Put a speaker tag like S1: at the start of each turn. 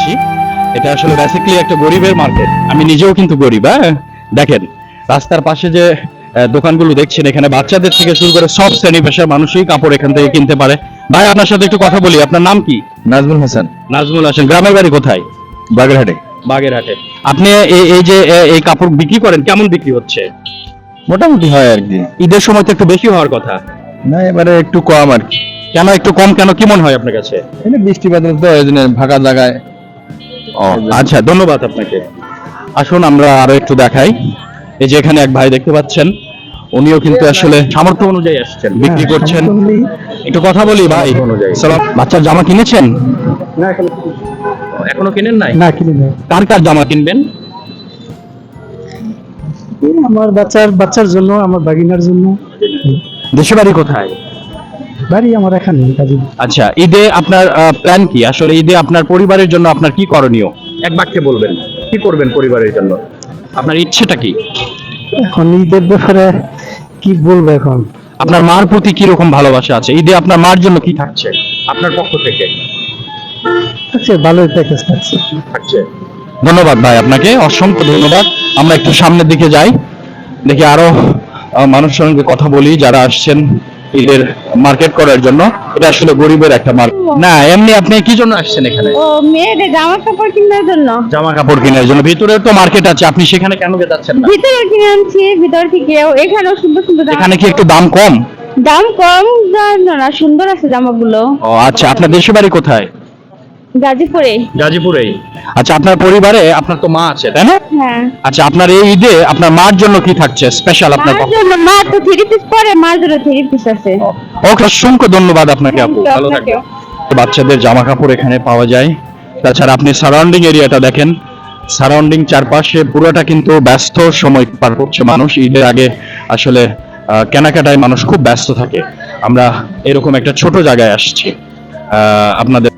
S1: আসছি। এটা আসলে বেসিক্যালি একটা গরিবের মার্কেট। আমি নিজেও কিন্তু গরিব। হ্যাঁ, দেখেন রাস্তার পাশে যে দোকানগুলো দেখছেন, এখানে বাচ্চাদের থেকে শুরু করে সব শ্রেণী পেশার মানুষই কাপড় এখান থেকে কিনতে পারে। ভাই, আপনার সাথে একটু কথা বলি। আপনার নাম কি?
S2: নাজমুল হাসান,
S1: নাজমুল হাসান। গ্রামের বাড়ি কোথায়?
S2: বাগেরহাটে।
S1: বাগেরহাটে। আপনি এই যে এই কাপড় বিক্রি করেন, কেমন বিক্রি হচ্ছে?
S2: মোটামুটি হয় আর কি।
S1: ঈদের সময় তো একটু বেশি হওয়ার কথা।
S2: না, এবারে একটু কম আর কি।
S1: কেন একটু কম, কেন কি মনে হয় আপনার কাছে?
S2: এটা বৃষ্টি বাদল তো, এই জন্য ফাঁকা জায়গায়।
S1: ও আচ্ছা, ধন্যবাদ আপনাকে। আসুন আমরা আরো একটু দেখাই। এই যে এখানে এক ভাই দেখতে পাচ্ছেন, উনিও কিন্তু আসলে সামর্থ্য অনুযায়ী আসছেন, বিক্রি করছেন। একটু কথা বলি ভাই। সালাম। বাচ্চার জামা কিনেছেন? এখনো কিনেন নাই?
S3: না, কিনি নাই।
S1: কার কার জামা কিনবেন?
S3: আমার বাচ্চার জন্য, আমার বাগিনার জন্য।
S1: দেশের বাড়ি কোথায়?
S3: বাড়ি আমার এখানে কাজী।
S1: আচ্ছা, ঈদে আপনার প্ল্যান কি? আসলে ঈদে আপনার পরিবারের জন্য আপনার কি করণীয়? এক বাক্যে বলবেন, কি করবেন পরিবারের জন্য? আপনার ইচ্ছেটা কি?
S3: এখন ঈদের ব্যাপারে কি বলবো এখন?
S1: আপনার মার প্রতি কি রকম ভালোবাসা আছে? ঈদে আপনার মার জন্য কি থাকছে আপনার পক্ষ থেকে?
S3: আচ্ছা, ভালোই প্যাকেজ থাকছে।
S1: থাকছে। ধন্যবাদ ভাই, আপনাকে অসংখ্য ধন্যবাদ। আমরা একটু সামনের দিকে যাই, দেখি আরো মানুষের সঙ্গে কথা বলি যারা আসছেন ঈদের মার্কেট করার জন্য। এটা আসলে গরিবের একটা মার্কেট না। এমনি আপনি কি জন্য আসছেন এখানে?
S4: ও মেয়েদের জামা কাপড় কেনার জন্য।
S1: জামা কাপড় কেনার জন্য। ভিতরে তো মার্কেট আছে, আপনি সেখানে কেন যাচ্ছেন না?
S4: ভিতরে কিনে আনছি, ভিতর থেকেও। এখানেও সুন্দর সুন্দর জামা।
S1: এখানে কি একটু দাম কম?
S4: দাম কম জানো না, সুন্দর আছে জামাগুলো।
S1: ও আচ্ছা, আপনার দেশের বাড়ি কোথায়?
S4: গাজীপুরে।
S1: গাজীপুরেই। আচ্ছা, আপনার পরিবারে আপনার তো মা আছে, তাই না?
S4: হ্যাঁ।
S1: আচ্ছা, আপনার এই ঈদে আপনার মার জন্য কি থাকছে স্পেশাল আপনার
S4: মার
S1: পক্ষ?
S4: জন্য, মা তো 3 পিস পরে, মার জন্য 3 পিস আছে।
S1: ওকে, অসংখ্য ধন্যবাদ আপনাকে আপু, ভালো থাকবেন। বাচ্চাদের জামা কাপড় এখানে পাওয়া যায়। তাছাড়া আপনি সারাউন্ডিং এরিয়াটা দেখেন, সারাউন্ডিং চারপাশে পুরোটা কিন্তু ব্যস্ত সময় পার করছে মানুষ। ঈদের আগে আসলে কেনাকাটায় মানুষ খুব ব্যস্ত থাকে। আমরা এরকম একটা ছোট জায়গায় আসছি আপনাদের